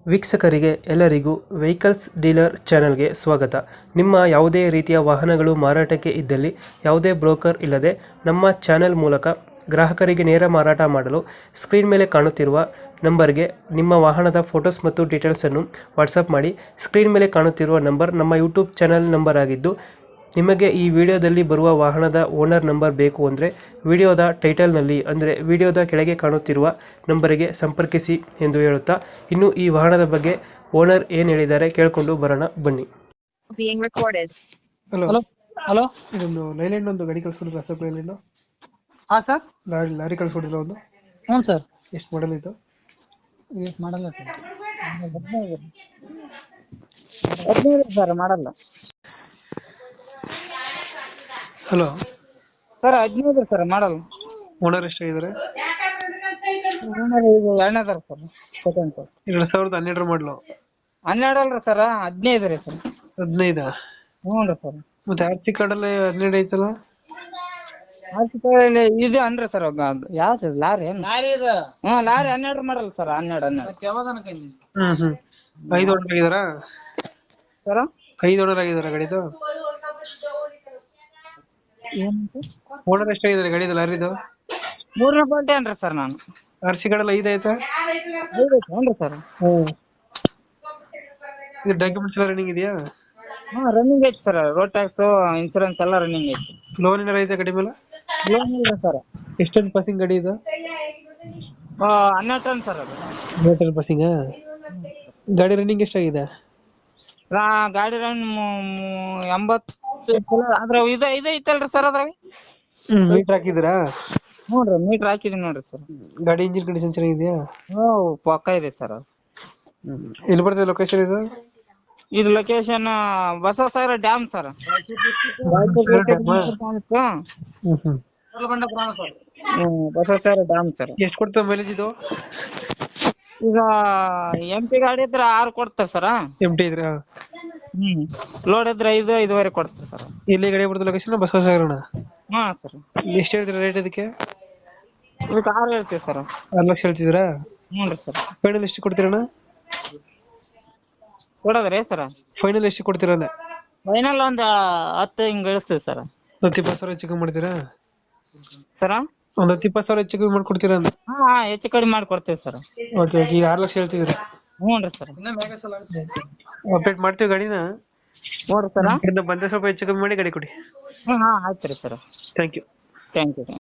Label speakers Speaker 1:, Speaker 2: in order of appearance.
Speaker 1: ವೀಕ್ಷಕರಿಗೆ ಎಲ್ಲರಿಗೂ vehicles dealer ಚಾನೆಲ್ಗೆ ಸ್ವಾಗತ. ನಿಮ್ಮ ಯಾವುದೇ ರೀತಿಯ ವಾಹನಗಳು ಮಾರಾಟಕ್ಕೆ ಇದ್ದಲ್ಲಿ ಯಾವುದೇ ಬ್ರೋಕರ್ ಇಲ್ಲದೆ ನಮ್ಮ ಚಾನೆಲ್ ಮೂಲಕ ಗ್ರಾಹಕರಿಗೆ ನೇರ ಮಾರಾಟ ಮಾಡಲು ಸ್ಕ್ರೀನ್ ಮೇಲೆ ಕಾಣುತ್ತಿರುವ ನಂಬರ್ಗೆ ನಿಮ್ಮ ವಾಹನದ ಫೋಟೋಸ್ ಮತ್ತು ಡೀಟೇಲ್ಸನ್ನು ವಾಟ್ಸಪ್ ಮಾಡಿ. ಸ್ಕ್ರೀನ್ ಮೇಲೆ ಕಾಣುತ್ತಿರುವ ನಂಬರ್ ನಮ್ಮ ಯೂಟ್ಯೂಬ್ ಚಾನೆಲ್ ನಂಬರ್ ಆಗಿದ್ದು, ನಿಮಗೆ ಈ ವಿಡಿಯೋದಲ್ಲಿ ಬರುವ ವಾಹನದ ಓನರ್ ನಂಬರ್ ಬೇಕು ಅಂದರೆ ವಿಡಿಯೋದ ಟೈಟಲ್ನಲ್ಲಿ ಅಂದರೆ ವಿಡಿಯೋದ ಕೆಳಗೆ ಕಾಣುತ್ತಿರುವ ನಂಬರಿಗೆ ಸಂಪರ್ಕಿಸಿ ಎಂದು ಹೇಳುತ್ತಾ, ಇನ್ನು ಈ ವಾಹನದ ಬಗ್ಗೆ ಓನರ್ ಏನು ಹೇಳಿದ್ದಾರೆ ಕೇಳಿಕೊಂಡು ಬರೋಣ ಬನ್ನಿ.
Speaker 2: Being recorded.
Speaker 1: Hello,
Speaker 3: hello hello.
Speaker 1: ಇದೊಂದು ಲೈಲ್ಯಾಂಡ್ ಒಂದು ಗಾಡಿ ಕಳಿಸ್ಕೊಡಿಲ್ಲ, ಅಶೋಕ್ ಲೈಲ್ಯಾಂಡ್
Speaker 3: ಹಾ ಸರ್.
Speaker 1: ಲಾರಿ ಕಳಿಸ್ಕೊಡಿಲ್ಲ ಒಂದು,
Speaker 3: ಹ್ಞೂ ಸರ್.
Speaker 1: ಎಷ್ಟು ಮಾಡಲ್ ಇದು?
Speaker 3: ಎಷ್ಟು model sir? 15 sir model
Speaker 1: hello
Speaker 3: sir. 15 sir model.
Speaker 1: Owner ಎಷ್ಟಾಗಿದ್ದಾರೆ?
Speaker 3: ಇದು 2ನೇದಾರ ಸರ್. Second sir.
Speaker 1: 2012 ಮಾಡಲು.
Speaker 3: 12 ಅಲ್ರಿ ಸರ್, 15 ರೀ ಸರ್.
Speaker 1: 15?
Speaker 3: ಹ್ಞೂ ರೀ ಸರ್.
Speaker 1: ಮತ್ತೆ ಆರ್ ಸಿ ಕಾರ್ಡಲ್ಲಿ 12 ಐತಲ್ಲ?
Speaker 3: ಆರ್ಸಿಕಲ್ಲಿ ಇದು ಅನ್ರಿ ಸರ್. ಯಾವ್ದು ಲಾರಿ ಏನು? ಹ್ಞೂ ಲಾರಿ 12 ಮಾಡಲ್ಲ ಸರ್. 12
Speaker 1: ಹ್ಮ್ 5 ಓನರ್ ಆಗಿದಾರಾ
Speaker 3: ಸರ್?
Speaker 1: 5 ಓನರ್ ಆಗಿದಾರ ಗಾಡಿದು?
Speaker 3: ಏನು
Speaker 1: ಓನರ್ ಎಷ್ಟಾಗಿದ್ದಾರೆ ಗಾಡಿದು ಲಾರಿದು?
Speaker 3: 3ನೇ ಪಾರ್ಟಿ ಏನ್ರಿ ಸರ್ ನಾನು?
Speaker 1: ಆರ್ ಸಿ ಕಾರ್ಡಲ್ಲಿ 5 ಆಯ್ತಾ?
Speaker 3: 5 ಏನ್ರಿ ಸರ್?
Speaker 1: ಇದು ಡಾಕ್ಯುಮೆಂಟ್ಸ್ ಎಲ್ಲ ರನ್ನಿಂಗ್ ಇದೆಯಾ?
Speaker 3: ಹ್ಞೂ ರನ್ನಿಂಗ್ ಐತಿ ಸರ್. ರೋಡ್ ಟ್ಯಾಕ್ಸ್, ಇನ್ಸೂರೆನ್ಸ್ ಎಲ್ಲ ರನ್ನಿಂಗ್ ಐತಿ.
Speaker 1: ಲೋನ್ ಏನಾರ ಐತೆ ಗಾಡಿ ಮೇಲೆ?
Speaker 3: ಲೋನ್ ಇಲ್ಲ ಸರ್.
Speaker 1: ಎಷ್ಟೊಂದು ಪಾಸಿಂಗ್ ಗಾಡಿ ಇದು?
Speaker 3: 12 ಟನ್ ಸರ್ ಅದು.
Speaker 1: 12 ಪಾಸಿಂಗ್. ಗಾಡಿ ರನ್ನಿಂಗ್ ಎಷ್ಟಾಗಿದೆ?
Speaker 3: ಗಾಡಿ ರನ್ 80 ಅದ್ರ ಇದು ಐತಲ್ರಿ ಸರ್ ಅದ್ರಾಗ.
Speaker 1: ಮೀಟರ್ ಹಾಕಿದ್ದೀರಾ?
Speaker 3: ಹ್ಞೂ ರೀ, ಮೀಟರ್ ಹಾಕಿದೀನಿ ನೋಡ್ರಿ ಸರ್.
Speaker 1: ಗಾಡಿ ಇಂಜಿನ್ ಕಂಡೀಷನ್ ಚೆನ್ನಾಗಿದೆಯಾ?
Speaker 3: ಹ್ಞೂ ಪಕ್ಕ ಇದೆ ಸರ್ ಅದು.
Speaker 1: ಎಲ್ಲಿ ಬರ್ತದೆ ಲೊಕೇಶನ್ ಇದು?
Speaker 3: ಇದು location Basavasagara dam sir. Basavasagara dam sir.
Speaker 1: ಎಷ್ಟು ಕೊಡ್ತದೆ ಮೈಲೇಜ್ ಇದು?
Speaker 3: ಈಗ ಎಂಟಿ ಗಾಡಿ ಇದ್ರೆ 6 ಕೊಡ್ತಾರೆ ಸರ್.
Speaker 1: ಎಂಟಿ ಇದ್ರೆ?
Speaker 3: ಲೋಡ್ ಇದ್ರೆ 5-5.5 ಕೊಡ್ತಾರೆ ಸರ್.
Speaker 1: ಎಲ್ಲಿ ಗಾಡಿ ಬರ್ತದೆ ಲೊಕೇಶನ್? ಬಸವಸಾಗರಣ?
Speaker 3: ಹಾ ಸರ್.
Speaker 1: ಎಷ್ಟು ಹೇಳ್ತೀರಾ ರೇಟ್ ಇದಕ್ಕೆ?
Speaker 3: ಇದಕ್ಕೆ 6 ಹೇಳ್ತೀವಿ ಸರ್.
Speaker 1: 6 ಲಕ್ಷ ಹೇಳ್ತಿದ್ದೀರಾ?
Speaker 3: ಹ್ಞೂ ರೀ ಸರ್.
Speaker 1: ಫೈನಲ್ ಎಷ್ಟು ಕೊಡ್ತೀರಣ್ಣ?
Speaker 3: ಕೊಡೋದ್ರಿ ಸರ್?
Speaker 1: ಫೈನಲ್ ಎಷ್ಟು ಕೊಡ್ತೀರ ಅಂದೆ?
Speaker 3: ಫೈನಲ್ ಒಂದು 10 ಹಿಂಗ್ ಇಳಿಸ್ತೀವಿ ಸರ್.
Speaker 1: 10-20 ಹೆಚ್ಚು ಕಮ್ಮಿ ಮಾಡ್ತೀರಾ
Speaker 3: ಸರ?
Speaker 1: ಒಂದು 10-20 ಹೆಚ್ಚು ಕಮ್ಮಿ ಮಾಡ್ಕೊಡ್ತೀರಾ ಅಂದೆ?
Speaker 3: ಹಾ ಹೆಚ್ಚು ಕಡಿಮೆ ಮಾಡ್ಕೊಡ್ತೀವಿ ಸರ್.
Speaker 1: ಓಕೆ. ಈಗ 6 ಲಕ್ಷ ಹೇಳ್ತಿದ್ದೀರಾ?
Speaker 3: ಹ್ಞೂ ರೀ ಸರ್.
Speaker 1: ಅಪ್ಡೇಟ್ ಮಾಡ್ತೀವಿ ಗಾಡಿನ.
Speaker 3: ನೋಡ್ರಿ ಸರ.
Speaker 1: ಬಂದ್ರೆ ಸ್ವಲ್ಪ ಹೆಚ್ಚು ಕಮ್ಮಿ ಮಾಡಿ ಗಾಡಿ ಕೊಡಿ.
Speaker 3: ಹಾ ಆಯ್ತು ರೀ sir.
Speaker 1: Thank you.
Speaker 3: Thank you.